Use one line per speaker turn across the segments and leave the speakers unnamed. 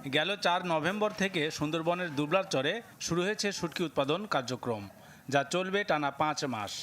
গেল 4 নভেম্বর থেকে সুন্দরবনের দুবলার চরে শুরু হয়েছে শুটকি উৎপাদন কার্যক্রম, যা চলবে টানা 5 মাস।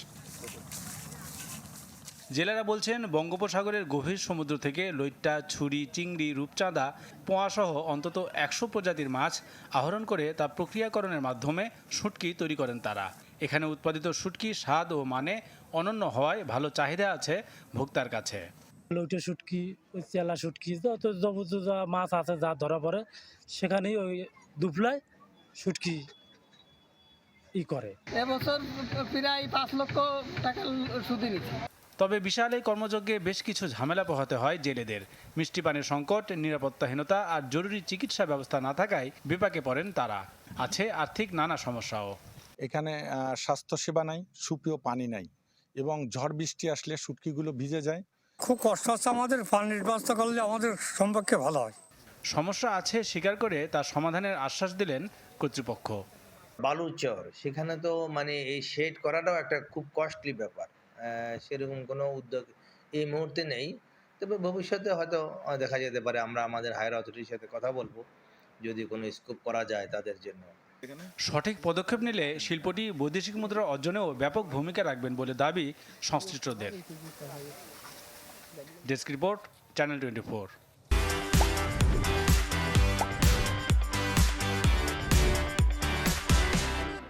জেলেরা বলছেন, বঙ্গোপসাগরের গভীর সমুদ্র থেকে লইট্টা, ছুরি, চিংড়ি, রূপচাঁদা, পোয়াসহ অন্তত 100 প্রজাতির মাছ আহরণ করে তা প্রক্রিয়াকরণের মাধ্যমে শুটকি তৈরি করেন তারা। এখানে উৎপাদিত শুটকি স্বাদ ও মানে অনন্য হওয়ায় ভালো চাহিদা আছে ভোক্তার কাছে।
লইটে শুটকি, ওই চেলা শুটকি, যত যাবতীয় যা মাছ আছে যা ধরা পড়ে সেখানেই ওই দুবলায় শুটকি করে।
এবছর প্রায় 5 লক্ষ টাকা সুদে নিচ্ছে।
তবে বিশাল এই কর্মযজ্ঞে বেশ কিছু ঝামেলা পোহাতে হয় জেলেদের। মিষ্টি পানির সংকট, নিরাপত্তাহীনতা আর জরুরি চিকিৎসা ব্যবস্থা না থাকায় বিপাকে পড়েন তারা। আছে আর্থিক নানা সমস্যাও।
এখানে স্বাস্থ্যসেবা নাই, সুপেয় পানি নাই এবং ঝড় বৃষ্টি আসলে শুটকিগুলো ভিজে যায়।
খুব কষ্ট হচ্ছে আমাদের, পানির ব্যবস্থা করলে আমাদের সম্পর্কে ভালো হয়।
সমস্যা আছে স্বীকার করে তার সমাধানের আশ্বাস দিলেন কর্তৃপক্ষ।
বালুচর, সেখানে তো মানে এই শেড করাটাও একটা খুব কস্টলি ব্যাপার। সেরকম কোনো উদ্যোগ এই মুহূর্তে নেই, তবে ভবিষ্যতে হয়তো দেখা যেতে পারে। আমরা আমাদের হায়ার অথরিটির সাথে কথা বলবো যদি কোনো স্কোপ করা যায় তাদের জন্য।
সঠিক পদক্ষেপ নিলে শিল্পটি বৈদেশিক মুদ্রা অর্জনেও ব্যাপক ভূমিকা রাখবেন বলে দাবি সংশ্লিষ্টদের। Desk report, channel 24।